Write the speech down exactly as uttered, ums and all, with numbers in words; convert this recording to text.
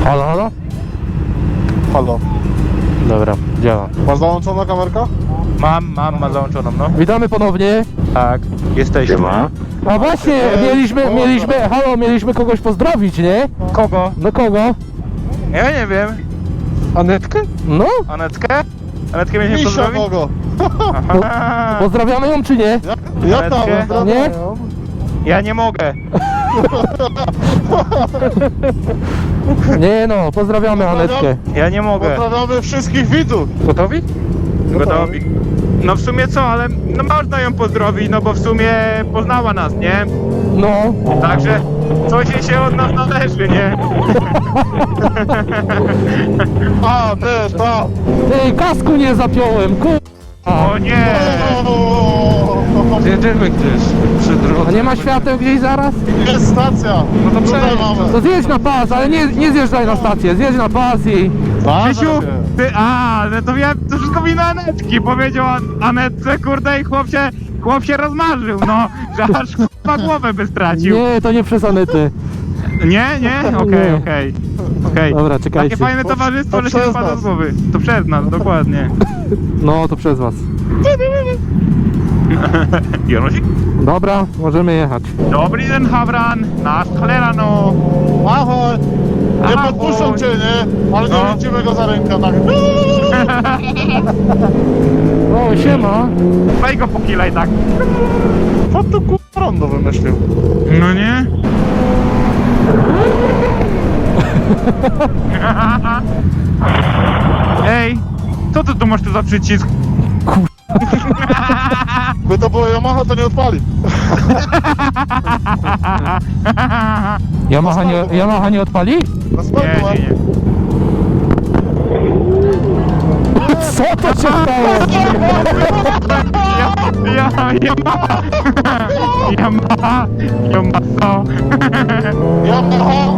Halo, halo? Halo. Dobra, działa. Masz załączona kamerka? Mam, mam, ma załączoną, no. Witamy ponownie. Tak, jesteśmy. A właśnie, Eee, mieliśmy, dobra. mieliśmy, halo, mieliśmy kogoś pozdrowić, nie? Kogo? No kogo? Ja nie wiem. Anetkę? No, Anetkę? Anetkę mieliśmy Misia pozdrowić? kogo? Aha. pozdrawiamy ją czy nie? Ja, ja tam, Anetkę? pozdrawiam Nie? ją. Ja nie mogę. Nie no, pozdrawiamy Anetkę. Ja nie mogę. Pozdrawiamy wszystkich widzów. Gotowi? Gotowi. No w sumie co, ale no można ją pozdrowić, no bo w sumie poznała nas, nie? No, Także coś jej się od nas należy, nie? A, ty, to. ty, kasku nie zapiąłem, ku... O nie! Jedziemy gdzieś przy A nie ma świateł gdzieś zaraz? Jest stacja. No to Tutaj przejdź. mamy. To zjedź na pas, ale nie, nie zjeżdżaj na stację, zjedź na pas i... Krzysiu, ty, a, no to ja, to wszystko wina Anetki, powiedział An- Anetce, kurde, i chłop się, chłop się rozmarzył, no, że aż chyba głowę by stracił. Nie, to nie przez Anety. Nie, nie? Okej, Nie. okej, okej. Dobra, czekajcie. Takie fajne To- towarzystwo, to ale się przez wypada nas. z głowy. To przez nas, dokładnie. No, to przez was. Jonosik? Dobra, możemy jechać. Dobry den, Havran, nasz cholera, no. Ahoj. Nie Ahoj. podpuszczą cię, nie? Ale nie No. lecimy go za rękę, tak. O, siema. Weź go pokilaj tak. Co tu kurwa rondo wymyślił? No nie? Ej, co ty tu masz tu za przycisk? By to było Yamaha, to nie odpali. Yamaha nie, Yamaha nie odpali? Na Nie, spokój. nie, nie. Co to się stało? Ja, ja, ja ma, ja ma, ja ma co? Yamaha,